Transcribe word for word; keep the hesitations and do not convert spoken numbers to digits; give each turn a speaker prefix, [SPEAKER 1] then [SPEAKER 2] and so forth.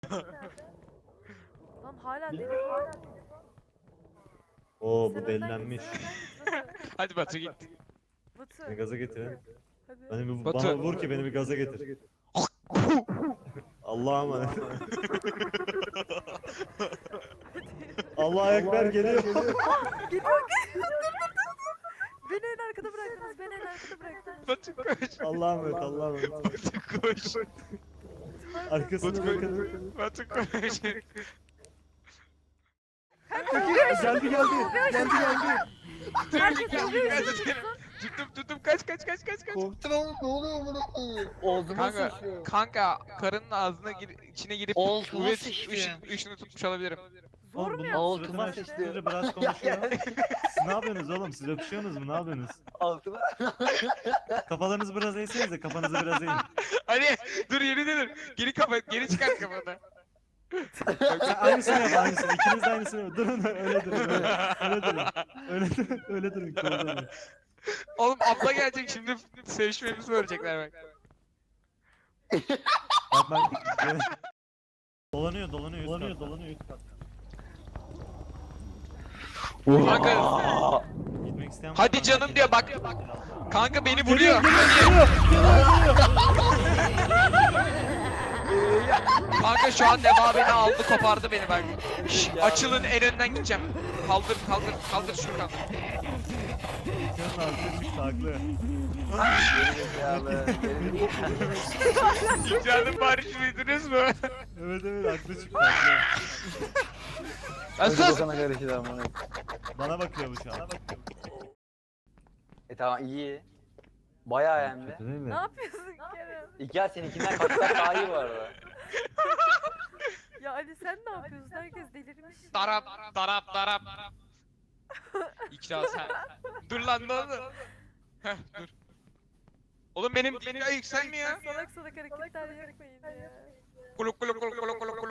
[SPEAKER 1] Lan hala deli hala.
[SPEAKER 2] Oo
[SPEAKER 1] Sen
[SPEAKER 2] bu
[SPEAKER 1] önden
[SPEAKER 2] delilenmiş.
[SPEAKER 1] git, sen önden git,
[SPEAKER 3] Hadi Batu git.
[SPEAKER 1] Batu.
[SPEAKER 2] Beni gaza getirin.
[SPEAKER 1] Hadi.
[SPEAKER 2] Beni bir,
[SPEAKER 3] Batu.
[SPEAKER 2] bana vur ki beni bir gaza getir. Allah'a emanet. Allah'a ekber geliyor.
[SPEAKER 1] Geliyor geliyor. Dur dur dur. Beni en arkada bıraktınız. Beni en arkada bıraktınız.
[SPEAKER 3] Batu koş.
[SPEAKER 2] Allah'a emanet, Allah'a emanet.
[SPEAKER 3] Batu koş.
[SPEAKER 2] Arkasına
[SPEAKER 3] Batu
[SPEAKER 2] bakın.
[SPEAKER 3] Batu koş.
[SPEAKER 2] Geldi geldi. Geldi geldi.
[SPEAKER 1] Herkes
[SPEAKER 3] Geldi,
[SPEAKER 1] oluyor.
[SPEAKER 3] geldi. Tuttum tuttum kaç kaç kaç kaç kaç.
[SPEAKER 4] Korktum ama ne oluyor amına koyayım? Ağzıma
[SPEAKER 3] Kanka,
[SPEAKER 4] sıçrıyor.
[SPEAKER 3] kanka karının ağzına gir, içine girip
[SPEAKER 4] Altıma
[SPEAKER 3] kuvvet
[SPEAKER 4] sıçtı.
[SPEAKER 3] ışın, ışını tutmuş olabilirim.
[SPEAKER 1] Zor mu
[SPEAKER 2] bunun
[SPEAKER 1] yaptın?
[SPEAKER 4] Altıma
[SPEAKER 2] suratına
[SPEAKER 4] sıçtı.
[SPEAKER 2] sıçtı. Biraz konuşuyor. Siz ne yapıyorsunuz oğlum? Siz öpüşüyorsunuz mu? Ne yapıyorsunuz?
[SPEAKER 4] Altıma.
[SPEAKER 2] Kafalarınızı biraz eğsenize. Kafanızı biraz eğin.
[SPEAKER 3] Hadi dur yeni dur. Geri kafa geri çıkar kafanı.
[SPEAKER 2] Sen aynısını yap, aynısını. İkiniz de aynısını yap. Durun öyle durun. Öyle, öyle durun. Öyle durun. Öyle durun. Kovalama.
[SPEAKER 3] Oğlum abla gelecek şimdi sevişmemizi öğrenecekler bak.
[SPEAKER 2] Bak bak. Dolanıyor, dolanıyor, dolanıyor, dolanıyor.
[SPEAKER 3] Kanka
[SPEAKER 2] Gitmek isteyen var
[SPEAKER 3] hadi
[SPEAKER 2] mı?
[SPEAKER 3] canım diyor bak. Kanka beni vuruyor. Kanka şu an Neva beni aldı kopardı beni bak. Şş, açılın en önden gideceğim. Kaldır kaldır kaldır Şurkan.
[SPEAKER 2] Sen haklı, haklı.
[SPEAKER 4] Gerizekalı.
[SPEAKER 3] Canım barış duydunuz mu?
[SPEAKER 2] Evet evet haklı çıktı haklı.
[SPEAKER 3] Asas.
[SPEAKER 4] Sana karıştı amına.
[SPEAKER 2] Bana bakıyor bu şu an.
[SPEAKER 4] E tamam iyi. Bayağı hem de.
[SPEAKER 2] Kötü değil
[SPEAKER 1] Ne
[SPEAKER 2] mi?
[SPEAKER 1] yapıyorsun Kerem?
[SPEAKER 4] İlker seninkinden kaç kat daha iyi bu arada.
[SPEAKER 1] Ya Ali sen ne yapıyorsun? Herkes delirmiş.
[SPEAKER 3] Darap darap darap. İkra sen. Dur lan ne oldu? Heh dur. Oğlum benim benim yükselmiyor.
[SPEAKER 1] Salak salak hareketler yapmayın ya.
[SPEAKER 3] Kuluk kuluk kuluk kuluk kuluk kuluk.